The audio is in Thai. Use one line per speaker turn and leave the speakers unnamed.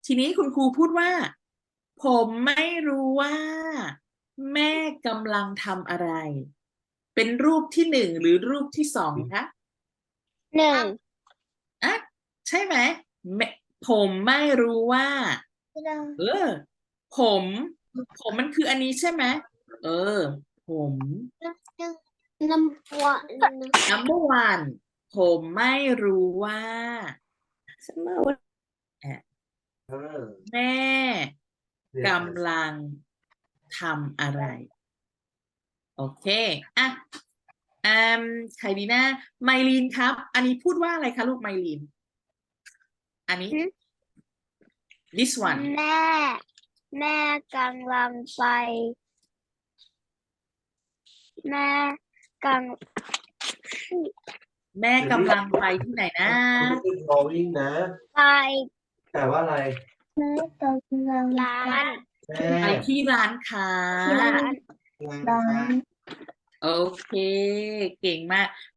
ทีนี้คุณครูพูดว่า ผมไม่รู้ว่า แม่กำลังทำอะไร เป็นรูปที่หนึ่งหรือรูปที่สองคะ
หนึ่ง
อ่ะใช่ไหมแม่ผมไม่รู้ว่า เออ ผม ผมมันคืออันนี้ใช่ไหม เออ ผม
น้ำวัน
number one ผมไม่รู้ว่า แม่กำลังทำอะไร โอเค อ่ะใครดีนะไมลีนครับ อันนี้พูดว่าอะไรคะลูกไมลีน อันนี้ this one
แม่กำลังไป แม่กำ
แม่กำลังไปที่ไหนนะ
drawing นะ
ไป
แต่ว่าอะไร
แม่กำลังร้าน
แม่
ไปที่ร้านค้า
ร้าน
ร้าน
โอเค เก่งมาก